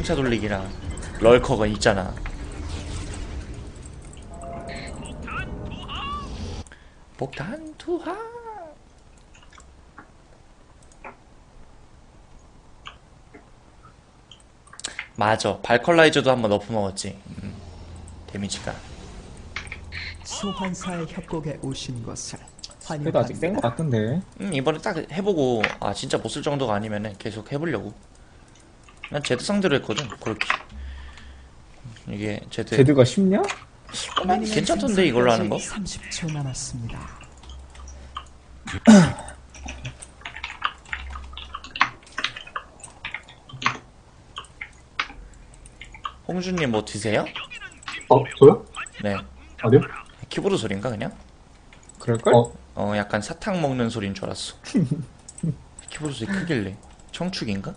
풍차 돌리기랑 럴커가 있잖아. 폭탄 투하. 맞아, 발컬라이저도 한번 너프 먹었지. 데미지가. 소환사의 협곡에 오신 것을 그래도 아직 센 거 같던데. 이번에 딱 해보고 아 진짜 못 쓸 정도가 아니면은 계속 해보려고. 난 제드 상대로 했거든. 그렇게 이게 제드 제드가 쉽냐? 난 괜찮던데 이걸로 하는 거. 30초 남았습니다. 홍준님 뭐 드세요? 저요? 네. 아니요? 키보드 소린가 그냥? 그럴걸? 약간 사탕 먹는 소린 줄 알았어. 키보드 소리 크길래 청축인가?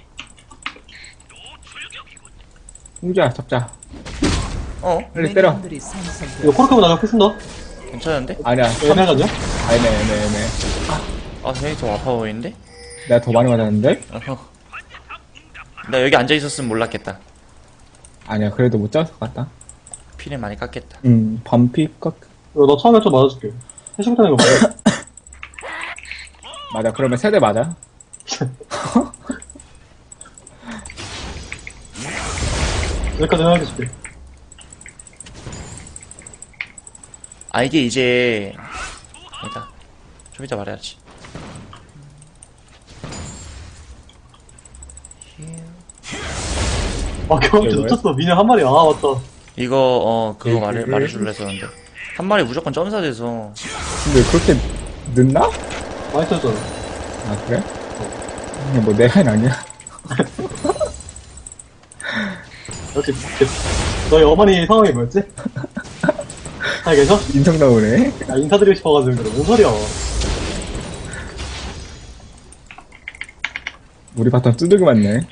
홍주야 잡자. 빨리 네, 때려. 미니언들이 생성되었습니다. 이거 코르크만 나가 패쓴다? 괜찮은데? 아니야. 애매하냐? 애매. 아 생각이 더 아파 보이는데? 내가 더 많이 맞았는데? 어허. 나 여기 앉아 있었으면 몰랐겠다. 아니야. 그래도 못 잡을 것 같다. 피를 많이 깎겠다. 반피 깎. 이거 너 처음에 좀 맞아줄게. 해시부터 이거 맞아. 맞아. 그러면 세대 맞아. 여기까지 해줄게. 아 이게 이제 아니다. 좀 이따 말해야지. 아, 경험치 이게 놓쳤어. 미녀 한 마리. 아, 맞다. 이거 그거 말해줄래 했었는데 한 마리 무조건 점사돼서 근데 그렇게 늦나? 많이 터졌잖아. 아 그래? 그냥 뭐 내가 아니야. 역시, 너희 어머니 성함이 뭐였지? 잘 계셔? 인성 나오네. 아, 인사드리고 싶어가지고 그래. 뭔 소리야. 우리 바텀 두들기 맞네.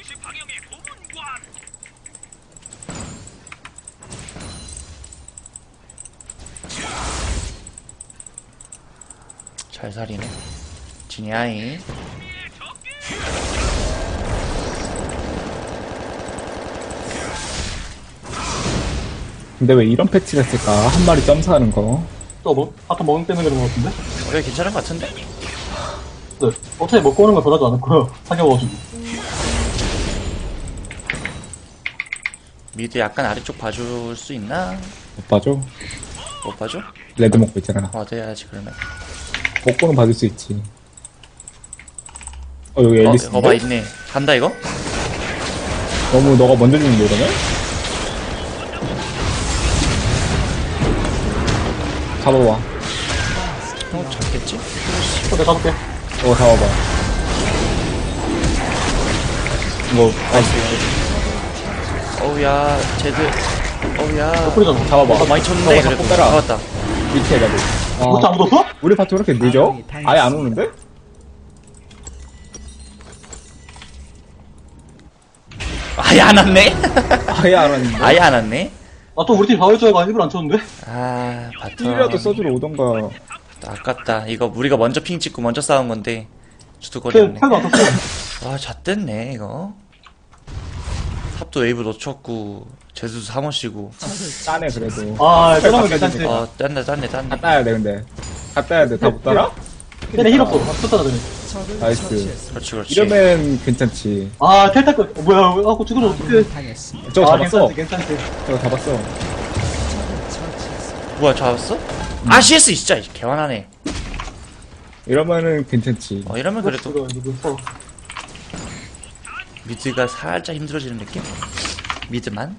잘 살이네. 지니아이. 근데 왜 이런 패치가 있을까? 한 마리 점사하는 거. 또 뭐, 아까 먹는 때문에 그런 것 같은데? 원래 괜찮은 것 같은데? 네. 어차피 먹고 오는 거 변하지 않았고요. 사겨가지고. 미드 약간 아래쪽 봐줄 수 있나? 못 봐줘. 못 봐줘? 레드 먹고 있잖아. 돼야지 그러면. 먹고는 받을 수 있지. 여기 앨리스. 이거 봐 있네. 간다 이거? 너무 너가 먼저 주는데 이러면? 잡아봐. 잡겠지? 내가 잡을게. 잡아봐. 이거 어우야 제드. 어우야. 뿌리잖아. 잡아봐. 많이 쳤는데 잡고 그래도 따라. 잡았다. 밑에 가도. 그렇지, 아무도 없어? 우리 파트 왜 이렇게 늦어? 아예 안 오는데? 아예 안 왔네? 아예 안 왔는데? 아예 안 왔네? 아, 또 우리 팀 바울 줄알고 일부러 안 쳤는데? 아 힐이라도 바텀 써주러 오던가. 아깝다. 이거 우리가 먼저 핑 찍고 먼저 싸운 건데 쟤 주도거리였네. 팔도 안 떴어. 와 잣됐네 이거. 탑도 웨이브 놓쳤고 제수도 사모시고. 짜네 그래도. 아, 저러면 괜찮지. 짠네. 다 따야 돼 근데. 다 따야 돼. 다 못 따라? 쟤네 힐 없어. 쳤잖아, 쟤네. 나이스. 그렇지. 이러면 괜찮지. 아, 텔타크. 뭐야, 아, 그거 죽으면 어떡해. 당했습니다. 저거 아, 잡았어. 괜찮지. 저거 잡았어. 뭐야 잡았어? 아 CS 진짜 개완하네. 이러면은 괜찮지. 이러면 그래도 이거 무서워. 미드가 살짝 힘들어지는 느낌? 미드만?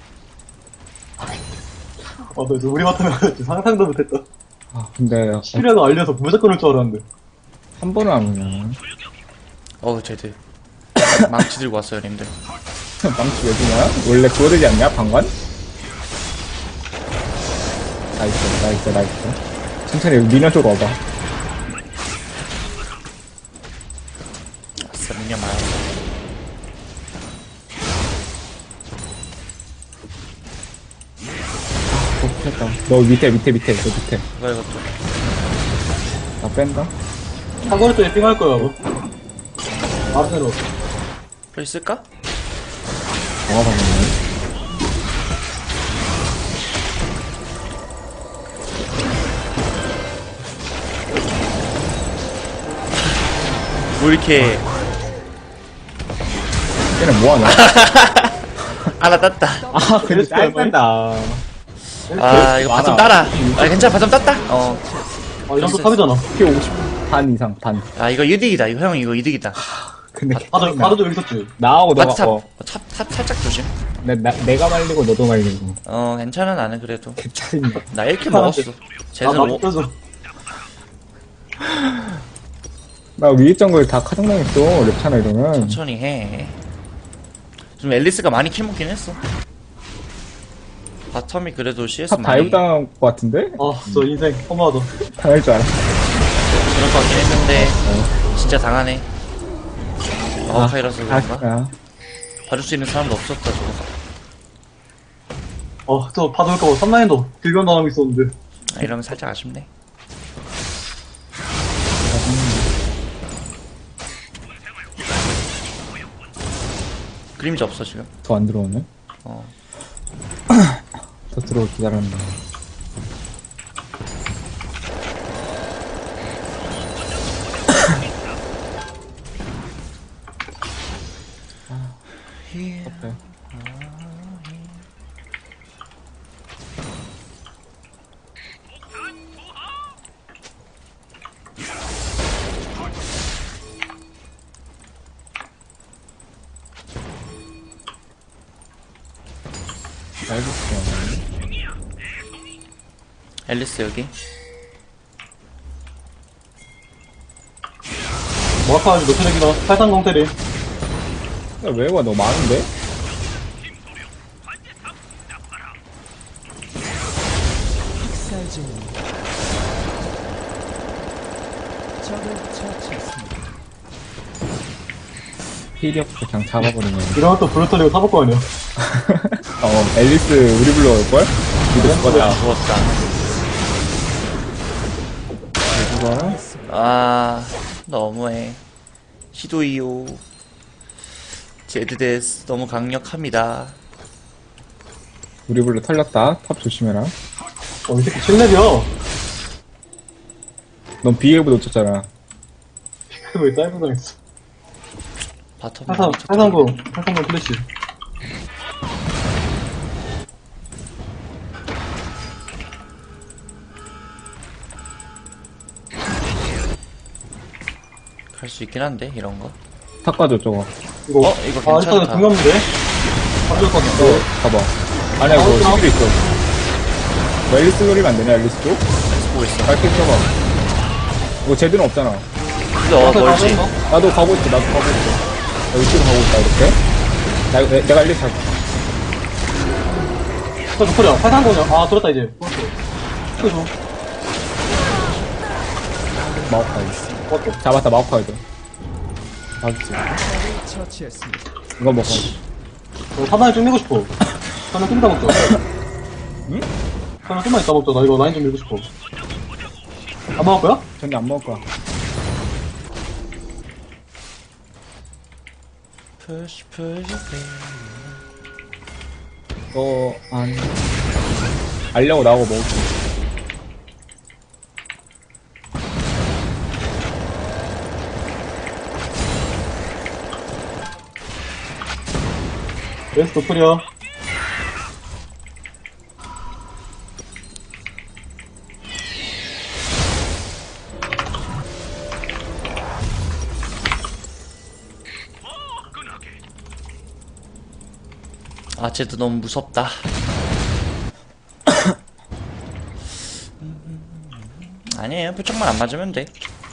너 우리 맡으면 상상도 못했다. 아 근데 실력을 알려서 무조건 올 줄 알았는데. 한 번은 안 오냐. 제드 망치 들고 왔어요 님들. 망치 왜 주냐? 원래 그거 되지 않냐? 방관? 나이스. 천천히 미녀 쪽으로 와봐. 아싸 미녀 많아. 됐다. 너 밑에, 너 밑에. 이것도 나 뺀다. 사거리 쪽에 삥할 거야, 뭐. 알아서 플레이 쓸까? 정화방이네. 뭐 이렇게 얘는 뭐하냐? 하나 땄다. 아, 근데 짧다. 아 이거 바텀 따라. 아 괜찮아 바텀 땄다. 아, 이런 거 탑이잖아. 피 50, 반 이상, 반. 아 이거 이득이다. 이거 형 이거 이득이다. 근데 바드도 여기 있었지. 나하고 너가, 바트탑 탑 살짝 조심. 내가 말리고 너도 말리고. 괜찮아 나는 그래도. 개짜증나. 나 1킬 먹었어. 아, 쟤는 나 껴줘. 나 위에 정글 다 카정당했어, 랩차나 이러면. 천천히 해. 좀 앨리스가 많이 킬 먹긴 했어. 바텀이 그래도 CS 탑 많이 다이브 당한 것 같은데? 아, 저 인생 허무하다. 당할 줄 알았어. 그럴 것 같긴 했는데 진짜 당하네. 마오카이라서 그런가? 아, 봐줄 수 있는 사람도 없었다 저거. 저 받을까 봐 3라인도 길변 당하고 있었는데. 아, 이러면 살짝 아쉽네. 그림자 없어 지금. 더 안 들어오네. 어. 더 들어올 기다렸는데. 오케이. 알겠어. 앨리스 여기. 뭐라카지 노트렉이다. 830 테리. 웨이가 너무 많은데? 학살 중입니다. 적을 처치했습니다. 필이 없어 그냥 잡아버리네. 이러면 또 불을 털리고 타볼 거 아니야. 앨리스 우리 불러올걸? 니도 죽었다. 죽었다. 죽어. 아 너무해. 시도이요. 제드데스 너무 강력합니다. 우리 불러 털렸다. 탑 조심해라. 이 새끼 7렙이야. 넌 비에브 놓쳤잖아. 왜 다이브 당했어. 바텀 830 플래시. 갈 수 있긴 한데 이런 거. 탑 가져 저거. 이거, 이거 일단 괜찮다. 중요한데? 가져올 것 같아. 봐봐. 아니야 그거 시비도 있어. 뭐 앨리스 노리면 안 되냐 앨리스도? 보고 있어. 밝게 써봐. 이거 제대로 없잖아. 근데 멀지. 나도 가고 있어. 나 이쪽으로 가고 있다 이렇게. 내가 앨리스 할게. 저 노플이야. 830이야. 아, 들었다, 이제. 이거 줘. 마오카이. 잡았다 마오카이도. 맞지. 적을 처치했습니다. 이거 먹어. 사단에 좀 밀고 싶어. 사단 좀 이따 먹자. 응? 사단 좀만 이따 먹자. 나 이거 라인 좀 밀고 싶어. 안 먹을 거야? 전혀 안 먹을 거야. 푸시 푸시 알려고 나오고 먹을게. 레스 노플이야. 아 쟤도 너무 무섭다. 아니에요 표창만 안 맞으면 돼.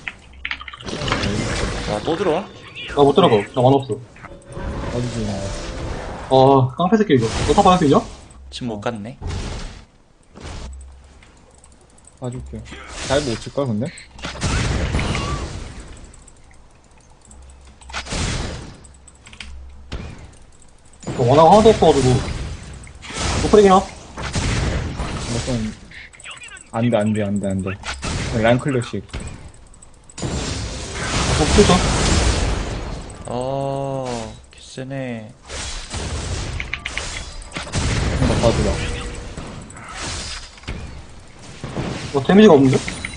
와또 들어와? 나 못 들어가. 나 만화 없어. 어디지? 깡패 새끼 이거. 너 다 받을 수 있냐? 지금 못 갔네. 봐줄게. 잘 못 칠걸 근데? 원화가 하나도 없어가지고. 노플이냐? 무슨 안돼. 라인 클래식. 노플이죠. 개쎄네. 봐주라. 데미지가 없는데?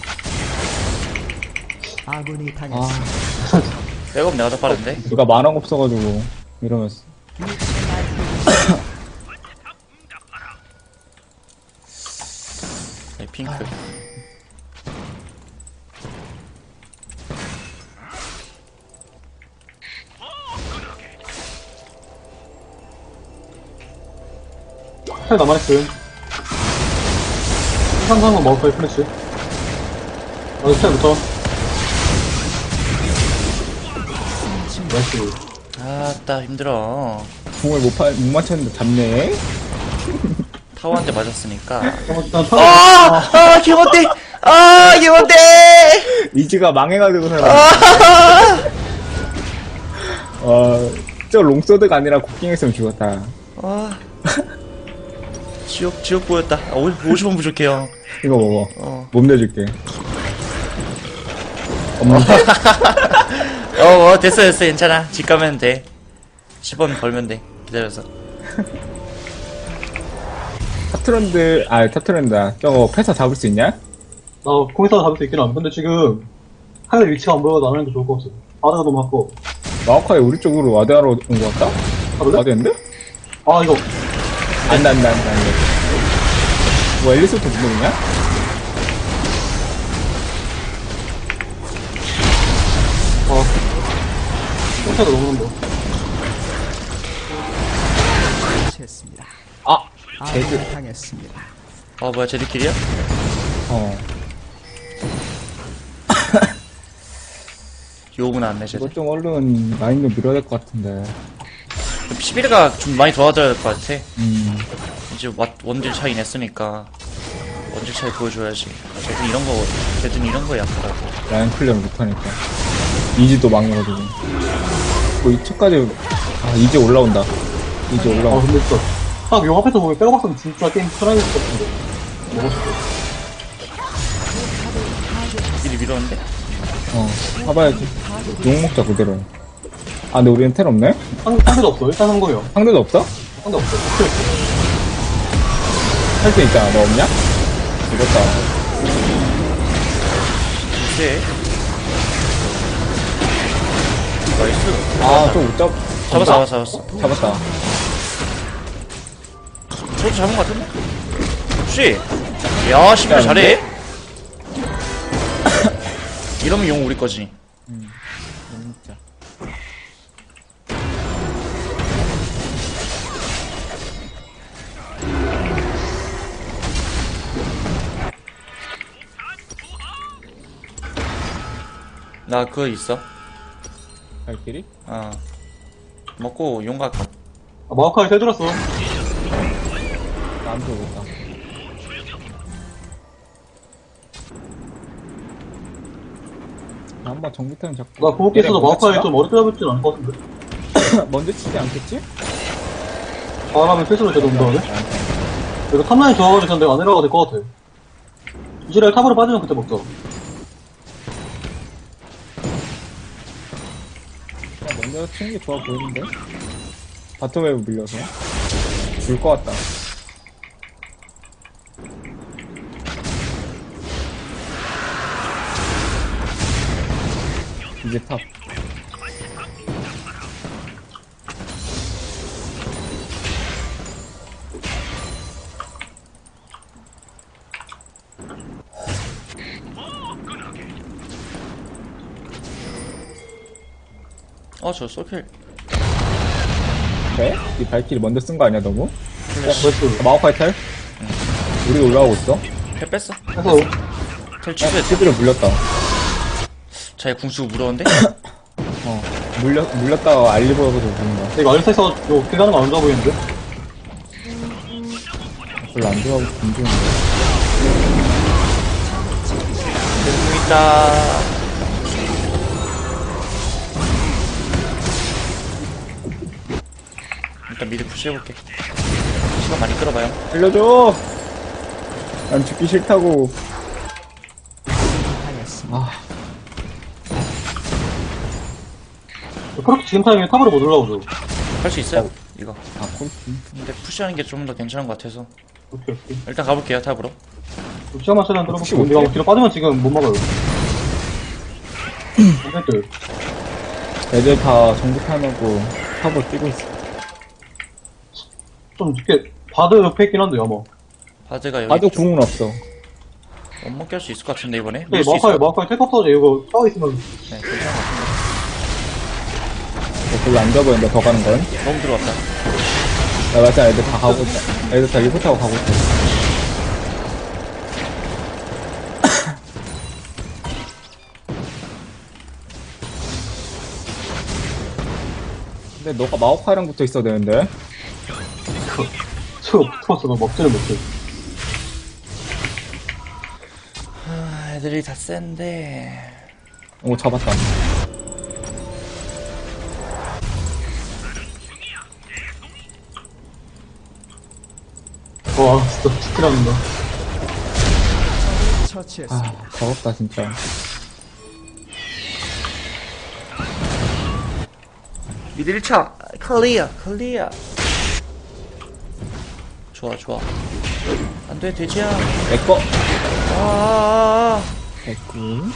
아군이 아, 당했습니다. 백업 내가 더 빠른데? 누가 만화가 없어가지고, 이러면서. 네, 핑크. 살 남아있음. 상상은 먹을 거야, 플래시. 스타일부터. 나이스. 아따 힘들어. 궁을 못 맞췄는데 잡네? 타워한테 맞았으니까. 일단 아, 기본대! 아, 기본대! 이즈가 망해가지고 살아. 저 롱소드가 아니라 곡괭했으면 죽었다. 아. 지옥 보였다. 50원 부족해요. 이거 먹어. 몸 내줄게. 됐어, 괜찮아. 집 가면 돼. 10원 벌면 돼. 기다려서. 탑트렌드다. 저거 패사 잡을 수 있냐? 나 거기서 잡을 수 있긴 함. 근데 지금 하늘 위치가 안 보여서 안 하는 게 좋을 것 같아. 바다가 너무 아까워. 마오카이 우리 쪽으로 와드하러 온 것 같다? 가볼래? 와드였는데? 아, 이거. 안 돼. 뭐 엘리스부터 누르냐? 혼자도 너무 넘어. 처치했습니다. 아! 아군이 당했습니다. 아, 뭐야, 쟤들끼리야? 욕은 안 내, 쟤들. 이거 좀 얼른 라인도 밀어야 될 것 같은데. 11가 좀 많이 도와줘야 될 것 같아. 이제 원딜 차이 냈으니까. 원딜 차이 보여줘야지. 쟤든 이런 거 약하다고. 라인 클리어를 못하니까. 이즈도 망해가지고. 뭐 2차까지, 이제 올라온다. 이제 올라온다. 근데 진짜. 딱 용 앞에서 보면 백업박스는 진짜 게임 편해질 것 같은데. 먹었을 때. 미리 밀었는데? 봐봐야지. 용 먹자, 그대로. 근데 우리는 텔 없네? 상대도 없어. 일단 한 거예요. 상대도 없어? 상대 없어. 할 수 있잖아. 너 없냐? 죽었다. 이제. 나이스. 또 못 잡았어. 잡았다. 저도 잡은 것 같은데? 혹시? 야, 11 잘해? 이러면 용 우리 거지. 진짜. 나 그거 있어. 발길이? 먹고 용 갈까? 마우카이 세 들었어. 나안 들어오겠다. 한번 정비타임 잡고. 나 고급기 있어서 먼저 마우카이 치나? 좀 어렵게 잡을진 않을 것 같은데. 먼저 치지 않겠지? 바람을 필수로 제도 운동하네. 이거 탑라인 좋아가지고 전 내가 안 내려가도 될 것 같아. 이지랄 탑으로 빠지면 그때 먹자. 그냥 먼저 치는 게 좋아 보이는데? 바텀웨이브 밀려서. 줄 것 같다. 이제 탑. 저 솔킬. 네? 이 발길이 먼저 쓴 거 아니야, 너무? 나이스. 마오카이 텔? 우리가 올라오고 있어. 텔 뺐어. 해서 텔 취소했어. 티비를 물렸다. 자기 궁수고 물었는데? 물렸다가 알리버여서 보는 거야. 이거 알리스에서 이거 어떻게 가는 거 안 좋아 보이는데? 별로 안 좋아하고 궁중인데. 궁 있다. 일단 미드 푸시해볼게. 시간 많이 끌어봐요. 살려줘! 난 죽기 싫다고. 당했습니다. 그렇게 지금 타이밍에 탑으로 못 올라오죠. 할 수 있어요? 이거. 아, 콜. 근데 푸시하는 게 좀 더 괜찮은 것 같아서. 오케이, 오케이. 일단 가볼게요, 탑으로. 시야만 최대한 혹시 들어볼게요. 못해? 우리가 뒤로 빠지면 지금 못 막아요. 근데 애들 다 정직하고 탑을 뛰고 있어. 좀 늦게, 바드 옆에 있긴 한데, 아마. 바드가 여기 나도 좀 궁은 없어. 못 먹게 할 수 있을 것 같은데, 이번에? 네, 밀수 있을 것 마카이 텔컵 터져. 이거 싸워 있으면. 네, 괜찮은 것 같은데. 별로 안 좋아 보인다, 더 가는 건. 너무 들어왔다. 나 맞아, 애들 다 가고 있다. 애들 다 리포 타고 가고 있다. 근데 너가 마오카이랑 붙어 있어야 되는데. 저거 붙어서 나 먹지를 못해. 아, 애들이 다 센데. 오, 잡았다. 와, 진짜 스킬합니다. 처치했습니다. 아, 더럽다, 진짜. 미드 1차 클리어 클리어. 좋아 좋아. 안돼 돼지야. 내꺼. 아. 개꿀.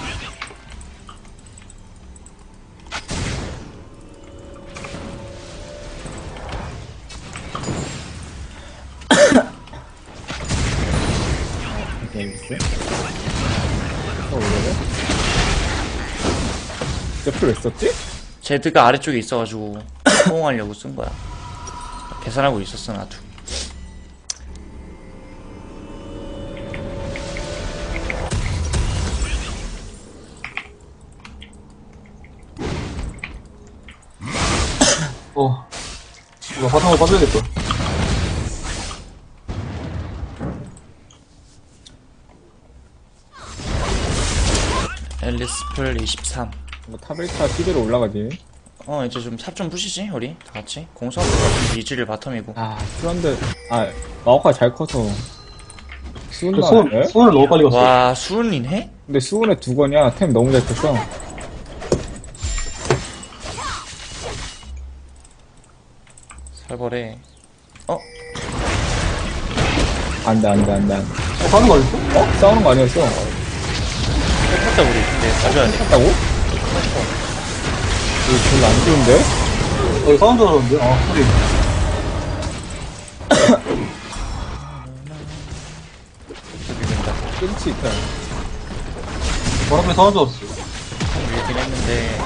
재밌어? 원래는? 옆을 왜 썼지? 제드가 아래쪽에 있어가지고 호응하려고 쓴 거야. 계산하고 있었어 나도. 이거 바탕으로 빠져야겠다. 앨리스플 23. 뭐 타벨타 시대로 올라가지. 이제 좀 탑 좀 부시지 우리 다 같이. 공수하고 같은 이즈를 바텀이고. 아, 수런데, 마오카 잘 커서. 수은 저 나왔네? 수은을 너무 빨리 갔어. 와 수은인 해? 근데 수은에 두 거냐? 템 너무 잘 쳤어. 살벌해. 안 돼. 가는 거 아니었어? 싸우는 거 아니었어? 했다 우리. 근데 가져야 돼. 했다고? 이거 별로 안 좋은데? 여기 싸운 줄 알았는데? 소리. 끊지 있다. 바람에 싸운 줄 알았어. 밀긴 했는데.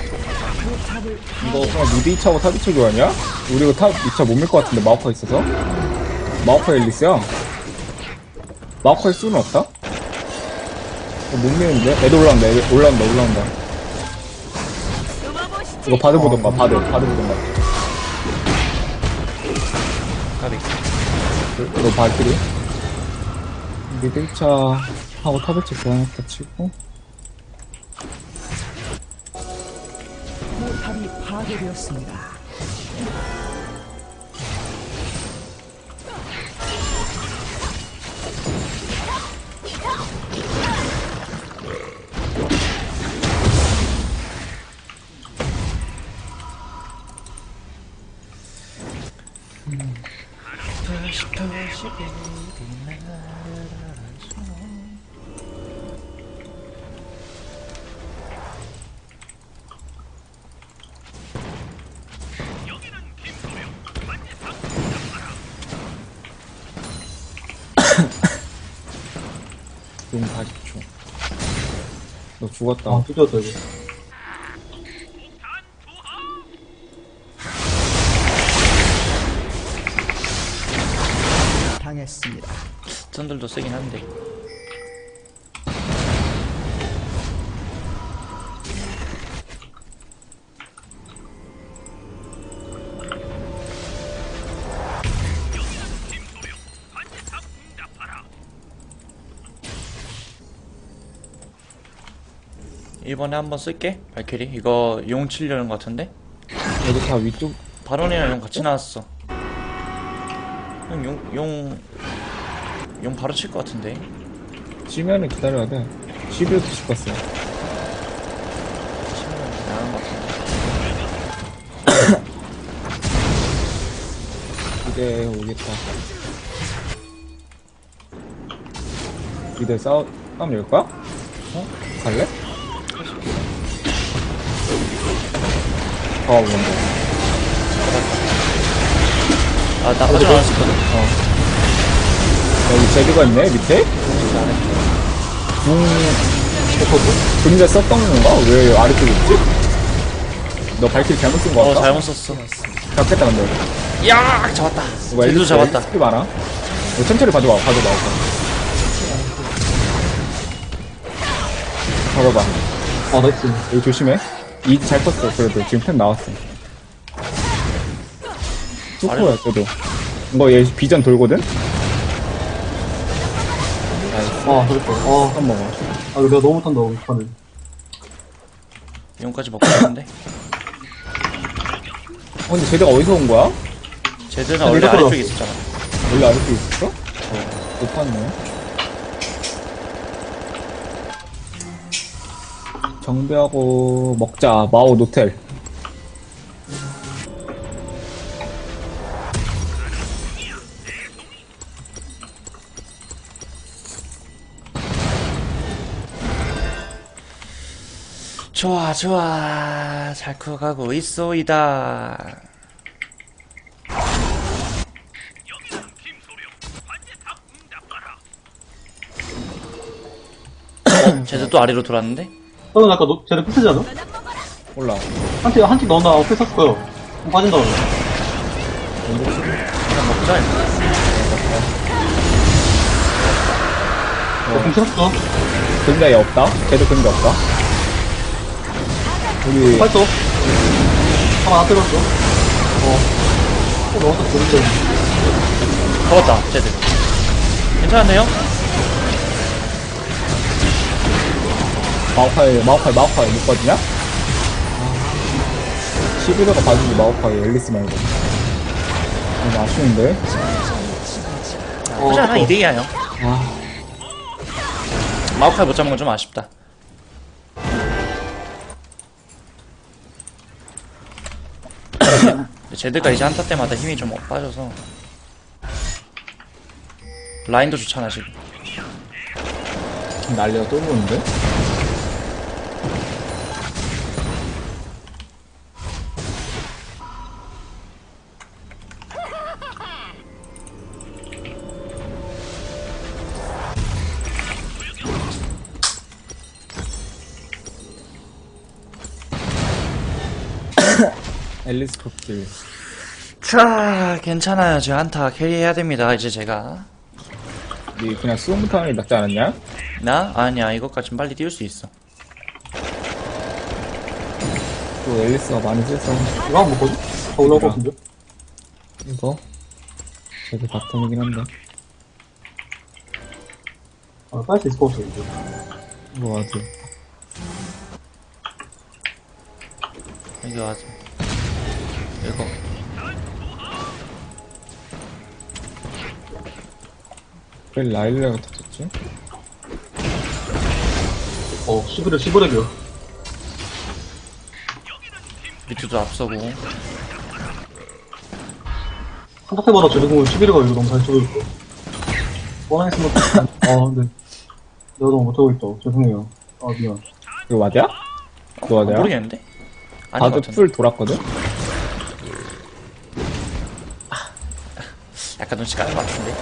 이거 그냥 미드 2차하고 탑 2차 교환이야? 우리 이거 탑 2차 못 밀 것 같은데, 마오카 있어서? 마오카 앨리스야? 마오카의 수는 없다? 못 미는데? 애들 올라온다. 이거 바드 보던가, 바드 보던가. 가비. 이거 발길이. 미드 1차 하고 탑 1차 교환했다 치고. 포탑이 파괴되었습니다. 용 40초. 너 죽었다. 뜯겼다, 이거. 당했습니다. 스턴들도 세긴 한데. 이번에 한번 쓸게. 발키리 이거 용 치려는 것 같은데. 여기 다 위쪽. 바론이랑 용 같이 나왔어. 용 바로 칠 것 같은데. 치면은 기다려야 돼. 11도 죽었어. 치면 나은 것 같은데. 이제 오겠다. 이제 싸움 열 거야? 어? 갈래? 먼저. 아, 나 아직 안 했었거든? 여기 제드가 있네, 밑에? 그림자 썼던 건가? 왜 아래쪽에 있지? 너 발키리 잘못 쓴 거 같다? 잘못 썼어. 잡겠다, 근데. 여기. 야, 잡았다. 이거 쟤도 잡았다. 스킬 많아. 이거 천천히 봐줘봐. 봐봐봐. 아, 나이스. 여기 조심해. 이 잘 컸어. 그래도 지금 템 나왔어. 뚜코야, 저도. 이거 얘 비전 돌거든? 아, 그랬다. 한 먹어. 이거 내가 너무 못한다, 못하네. 용까지 먹고 있는데. 근데 쟤네가 어디서 온 거야? 쟤들은 원래 아래쪽에 있었잖아. 원래 아래쪽에 있었어? 못 봤네. 정비하고 먹자. 마오 노텔. 좋아, 좋아. 잘 커가고 있소이다. 쟤들 또 아래로 돌았는데? 너는 아까 쟤네 패스지 않아? 몰라. 한 팀 넣었나? 패스 샀을 거야. 빠진다, 그러면. 그냥 먹자, 이거. 공 쳤어. 그림자 얘 없다. 쟤도 그림자 없다. 우리 팔도. 하나 때렸어. 넣었어, 그랬죠. 잡았다, 쟤들. 괜찮은데요? 마오카이 못 봐주냐? 11호가 봐주지 마오카이 앨리스 말고. 너무 아쉬운데? 나쁘지 않아, 2대2야, 형. 아, 마우카이 못 잡은 건 좀 아쉽다. 쟤들가 이제 한타 때마다 힘이 좀 빠져서. 라인도 좋잖아, 지금. 난리가 또 보는데? 앨리스 코길. 자, 괜찮아요. 지금 한타 캐리해야 됩니다, 이제 제가. 니 그냥 수영부터 하는 게 낫지 않았냐? 나? 아니야, 이것까진 빨리 띄울 수 있어. 또 앨리스가 많이 세서 이거 한번 먹거든? 더 올라올 것 같은데? 이거 저도 바텀이긴 한데 빨 수 있을 것 같아, 이제. 이거 맞아. 여기 와서. 이거. 왜 라일레가 터졌지? 11렉이야. 미투도 앞서고. 한타 때마다 제대공을 11렉가 이거 너무 잘 쓰고 있고. 뻔했으면, 근데. 내가 너무 못하고 있다. 죄송해요. 미안. 이거 맞아? 이거 맞아요? 모르겠는데? 아닌 것 다들 같은데. 풀 돌았거든? 약간 눈치 까는 것 같은데.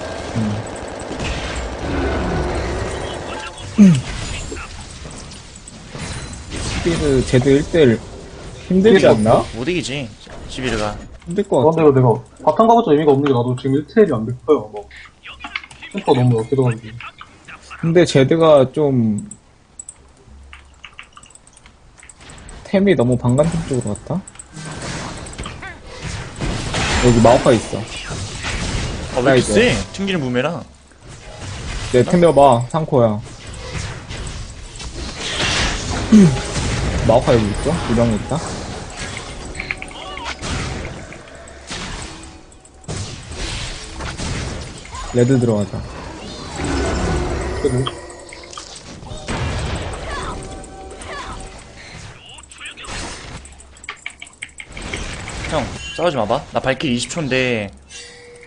스피드 제드 1대1 힘들지 않나? 못 이기지, 시비르가. 힘들 것 같아. 그런데 내가 바탕 가봤자 의미가 없는 게 나도 지금 1트일이 안 됐어요. 뭐. 템퍼 너무 어깨더가지고. 근데 제드가 좀 템이 너무 방간템 쪽으로 갔다? 여기 마오카 있어. 왜 이렇게 이제. 세? 튕기는 무메랑. 내 템 넣어봐. 상코야. 마오카 여기 있죠? 유령이 있다. 레드 들어가자. 그래도. 형, 싸우지 마봐. 나 발길 20초인데,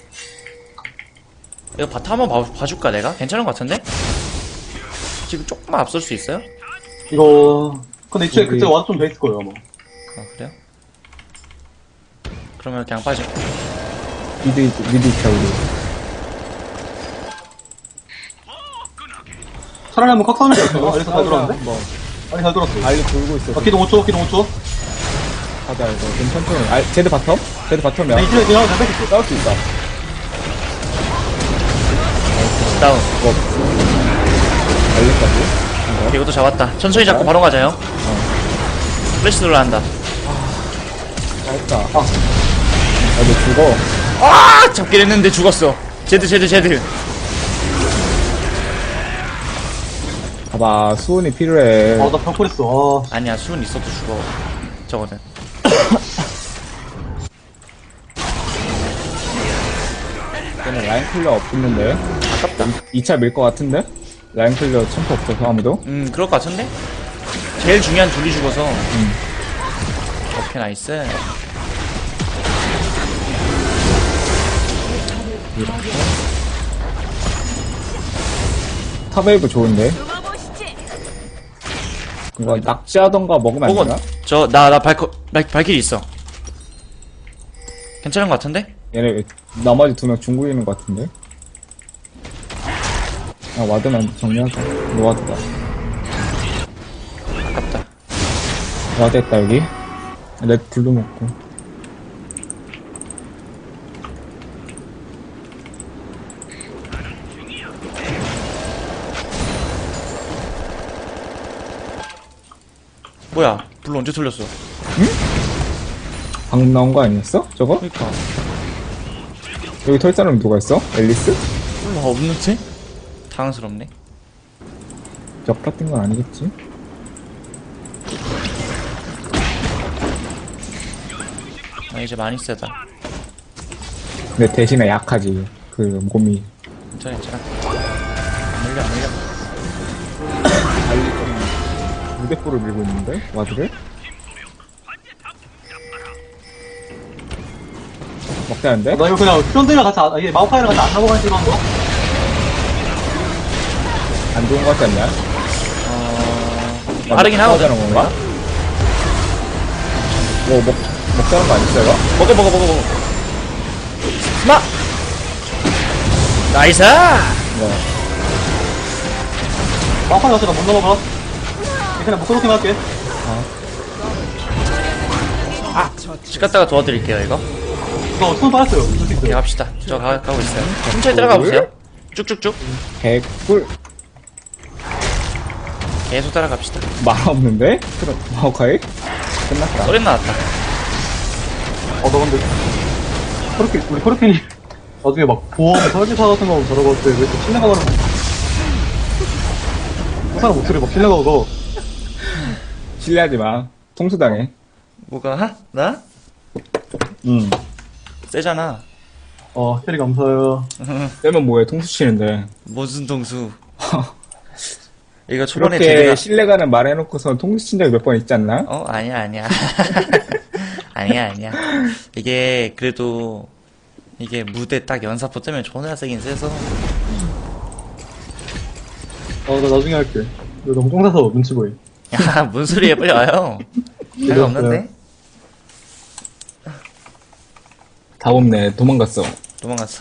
이거 바텀 한번 봐줄까, 내가? 괜찮은 것 같은데? 지금 조금만 앞설 수 있어요? 이거, 근데 이쪽에 우리- 그때 와도 좀 돼 있을 거예요, 아마. 아, 그래요? 그러면 그냥 빠져. 미드 있자, 우리. 차라리 한번 칵싸움을 했어요. 알리사 잘 들었는데? 뭐, 아니, 잘 들었어. 알리 돌고 있어. 아, 기동 5초, 기동 5초. 가자, 이거. 좀 천천히. 제드 바텀? 제드 바텀이야. 아니, 이쪽에 그냥 잘 뺏겼어. 싸울 수 있다. 다운. 알리까지. 이것도 잡았다. 천천히 잡고 바로 가자요. 플래시 들어간다. 잘했다. 너 죽어. 아! 잡긴 했는데 죽었어. 제드. 봐봐, 수온이 필요해. 아, 나 벽골했어. 아, 아니야, 수은 있어도 죽어. 저거는. 얘는 라인 클리어 없는데. 아깝다. 2차 밀 것 같은데? 라인 클리어 챔프 없어서 아무도? 그럴 것 같은데? 제일 중요한 둘이 죽어서. 오케이, 나이스. 탑웨이브 좋은데? 이거 낙지하던가 먹으면 안 혹은, 되나? 나 발길이 있어. 괜찮은 것 같은데? 얘네 나머지 2명 중국인인 것 같은데? 아, 와드만 정리하자. 노와드다. 아깝다. 와드 했다, 여기. 렉 블루 먹고. 뭐야, 불 언제 돌렸어? 방금 나온 거 아니었어? 저거? 그니까. 여기 털 사람 누가 있어? 앨리스? 몰라, 없는데? 당황스럽네. 적 같은 건 아니겠지? 나 이제 많이 세다. 근데 대신에 약하지. 그 몸이. 괜찮아. 안 물려. 달리 좀 무대포를 밀고 있는데? 와드를? 먹자는데? 나 이거 그냥 트런들이랑 같이, 이게 마우파이랑 같이 안 넘어가는 식으로 한 거? 안 좋은 거 같지 않냐? 빠르긴 하거든. 하자는 건가? 뭐, 먹자는 거 아니었어, 이거? 먹어. 마! 나이스! 뭐, 마우파이 같이 나못 넘어가. 그냥 목소리 할게. 집 갔다가 도와드릴게요, 이거. 이거 손 빠졌어요. 할수 오케이, 있어요. 갑시다. 저 가고 있어요. 천천히 들어가 보세요. 쭉쭉쭉. 개꿀. 계속 따라갑시다. 말 없는데? 그럼, 마오카이? 끝났다. 소리 나왔다. 나 근데, 우리 코르핀이 나중에 막 보험 설계사 같은 거 들어갈 때 왜 이렇게 신뢰가 가는 그 사람 목소리 막 신뢰가 가고. 신뢰하지 마. 통수당해. 뭐가? 나? 세잖아. 캐리 감사해요. 떼면 뭐해, 통수 치는데. 무슨 동수. 이거 초반에 그렇게 제대가. 신뢰가는 말 해놓고서 통수 친 적이 몇 번 있지 않나? 아니야. 아니야. 이게, 그래도, 이게 무대 딱 연사포 뜨면 존나 세긴 세서. 나 나중에 할게. 이거 너무 쫑사서 눈치 보이. 야, 뭔 소리야, 빨리 와요. 별거 없는데? 다 없네. 도망갔어. 도망갔어.